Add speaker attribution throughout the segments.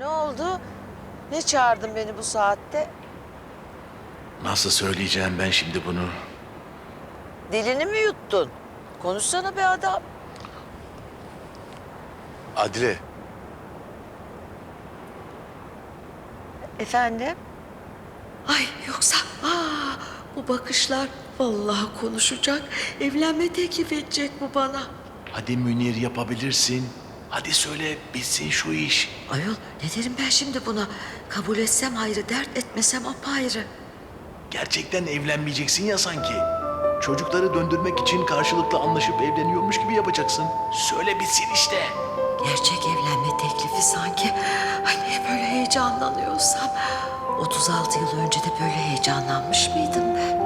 Speaker 1: oldu? Ne çağırdın beni bu saatte?
Speaker 2: Nasıl söyleyeceğim ben şimdi bunu?
Speaker 1: Dilini mi yuttun? Konuşsana be adam.
Speaker 2: Adile,
Speaker 1: Efendim?
Speaker 3: Ay yoksa bu bakışlar vallahi konuşacak. Evlenme teklif edecek bu bana.
Speaker 2: hadi Münir yapabilirsin. Hadi söyle, bitsin şu iş.
Speaker 3: Ayol ne derim ben şimdi buna? Kabul etsem ayrı, dert etmesem apayrı.
Speaker 2: Gerçekten evlenmeyeceksin ya sanki. Çocukları döndürmek için karşılıklı anlaşıp evleniyormuş gibi yapacaksın. Söyle bitsin işte.
Speaker 3: Gerçek evlenme teklifi sanki. Ay niye böyle heyecanlanıyorsam. 36 yıl önce de böyle heyecanlanmış mıydım ben?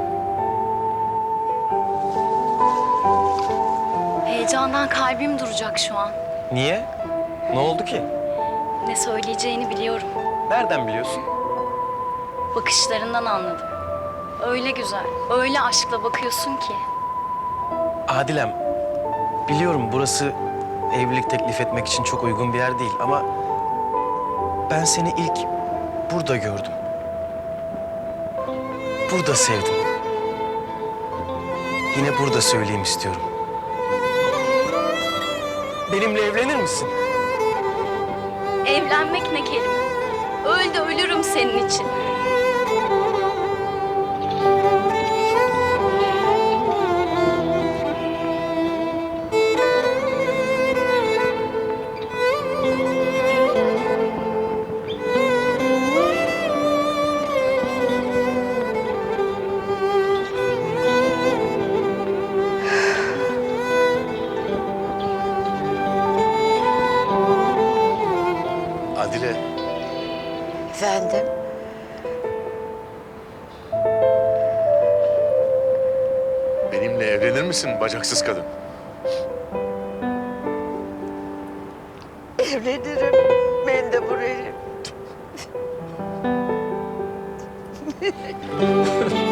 Speaker 4: Heyecandan kalbim duracak şu an.
Speaker 5: Niye? Ne oldu ki?
Speaker 4: Ne söyleyeceğini biliyorum.
Speaker 5: Nereden biliyorsun?
Speaker 4: Bakışlarından anladım. Öyle güzel, öyle aşkla bakıyorsun ki.
Speaker 5: Adilem, biliyorum burası evlilik teklif etmek için çok uygun bir yer değil ama ben seni ilk burada gördüm. Burada sevdim. Yine burada söyleyeyim istiyorum. Benimle evlenir misin?
Speaker 4: Evlenmek ne kelime. Öl de ölürüm senin için.
Speaker 2: Adile,
Speaker 1: Efendim?
Speaker 2: benimle evlenir misin bacaksız kadın?
Speaker 1: Evlenirim. Ben de burayı.